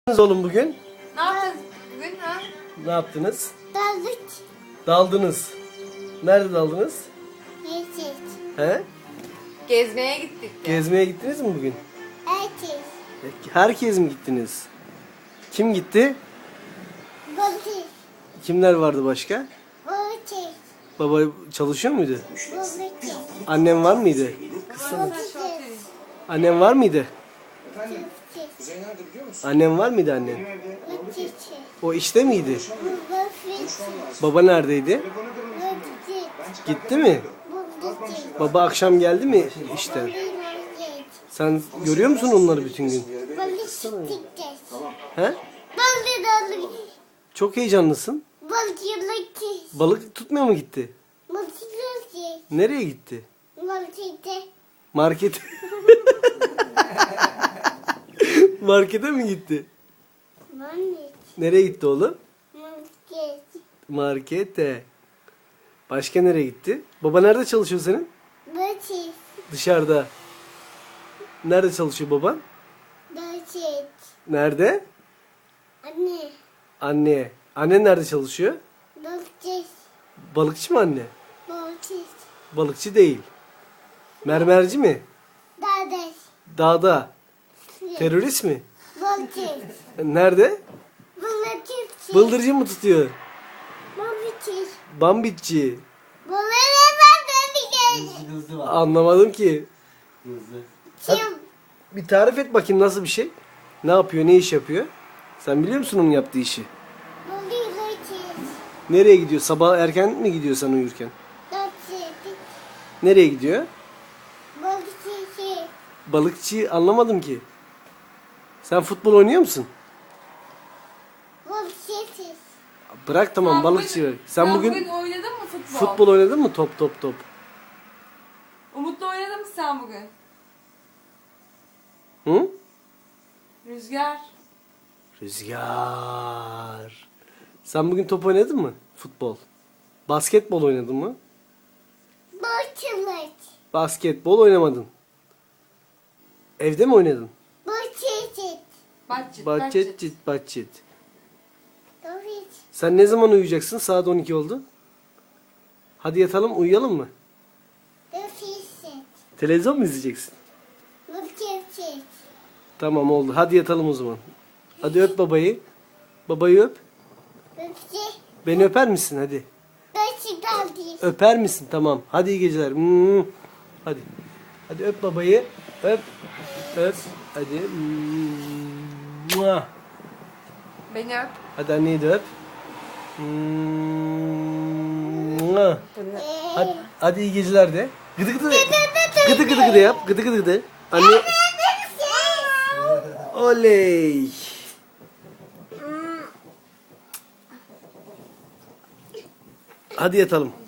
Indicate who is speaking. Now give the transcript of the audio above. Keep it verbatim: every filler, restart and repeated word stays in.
Speaker 1: Oğlum bugün?
Speaker 2: Ne yaptınız bugün ha?
Speaker 1: Ne yaptınız?
Speaker 3: Daldık.
Speaker 1: Daldınız. Nerede daldınız?
Speaker 3: Yeşil.
Speaker 1: He?
Speaker 2: Gezmeye gittik.
Speaker 1: Gezmeye gittiniz mi bugün?
Speaker 3: Erkek.
Speaker 1: Herkes mi gittiniz? Kim gitti?
Speaker 3: Balık.
Speaker 1: Kimler vardı başka?
Speaker 3: Balık.
Speaker 1: Baba çalışıyor muydu?
Speaker 3: Balık.
Speaker 1: Annem var mıydı?
Speaker 3: Balık.
Speaker 1: Annem var mıydı?
Speaker 3: Çiftçi.
Speaker 1: Annem var mıydı annen?
Speaker 3: Çiftçi.
Speaker 1: O işte miydi?
Speaker 3: Balık.
Speaker 1: Baba neredeydi?
Speaker 3: Balık.
Speaker 1: Gitti mi?
Speaker 3: Balık.
Speaker 1: Baba akşam geldi mi işte? Sen görüyor musun onları bütün gün?
Speaker 3: Balık çiftçi.
Speaker 1: He?
Speaker 3: Balık balık.
Speaker 1: Çok heyecanlısın.
Speaker 3: Balık balık.
Speaker 1: Balık tutmaya mı gitti?
Speaker 3: Balık balık.
Speaker 1: Nereye gitti?
Speaker 3: Balık çiftçi.
Speaker 1: Market. Markete mi gitti?
Speaker 3: Balık.
Speaker 1: Nereye gitti oğlum?
Speaker 3: Balık.
Speaker 1: Markete. Başka nereye gitti? Baba nerede çalışıyor senin?
Speaker 3: Balık.
Speaker 1: Dışarıda. Nerede çalışıyor baban?
Speaker 3: Balık.
Speaker 1: Nerede?
Speaker 3: Anne.
Speaker 1: Anne. Annen nerede çalışıyor?
Speaker 3: Balık.
Speaker 1: Balıkçı mı anne?
Speaker 3: Balık.
Speaker 1: Balıkçı değil. Mermerci mi?
Speaker 3: Dadaş.
Speaker 1: Dağda. Terörist mi?
Speaker 3: Balık.
Speaker 1: Nerede?
Speaker 3: Balık.
Speaker 1: Bıldırcın mı tutuyor?
Speaker 3: Balık.
Speaker 1: Bambitçi.
Speaker 3: Balık ben ben bir kere.
Speaker 1: Anlamadım ki.
Speaker 3: Kim?
Speaker 1: Bir tarif et bakayım nasıl bir şey? Ne yapıyor, ne iş yapıyor? Sen biliyor musun onun yaptığı işi?
Speaker 3: Balık.
Speaker 1: Nereye gidiyor? Sabah erken mi gidiyor sen uyurken?
Speaker 3: Balık.
Speaker 1: Nereye gidiyor?
Speaker 3: Balık.
Speaker 1: Balıkçı anlamadım ki. Sen futbol oynuyor musun?
Speaker 3: Balık.
Speaker 1: Bırak tamam
Speaker 2: Sen
Speaker 1: balıkçı.
Speaker 2: bugün-
Speaker 1: Sen
Speaker 2: sen
Speaker 1: bugün
Speaker 2: bugün oynadın mı futbol?
Speaker 1: futbol oynadın mı? Top top top.
Speaker 2: Umut'la oynadın mı sen bugün?
Speaker 1: Hı?
Speaker 2: Rüzgar.
Speaker 1: Rüzgar. Sen bugün top oynadın mı? Futbol. Basketbol oynadın mı?
Speaker 3: Balık.
Speaker 1: Basketbol oynamadın. Evde mi oynadın?
Speaker 3: Balık.
Speaker 2: Bahçet.
Speaker 1: Bahçet cit bahçet.
Speaker 3: Balık.
Speaker 1: Sen ne zaman uyuyacaksın? Saat on iki oldu. Hadi yatalım uyuyalım mı?
Speaker 3: Balık.
Speaker 1: Televizyon mu izleyeceksin?
Speaker 3: Balık.
Speaker 1: Tamam oldu. Hadi yatalım o zaman. Hadi öp babayı. Babayı öp.
Speaker 3: Balık.
Speaker 1: Beni öper misin hadi?
Speaker 3: Balık.
Speaker 1: Öper misin? Tamam. Hadi iyi geceler. Hmm. Hadi. Hadi öp babayı. Öp. Öp. Hadi. Mua.
Speaker 2: Beni öp.
Speaker 1: Hadi anneyi de öp. Mua. Hadi, hadi iyi geceler de. Gıdı gıdı. Gıdı gıdı gıdı yap. Gıdı gıdı gıdı. Anne. Oley. Hadi yatalım.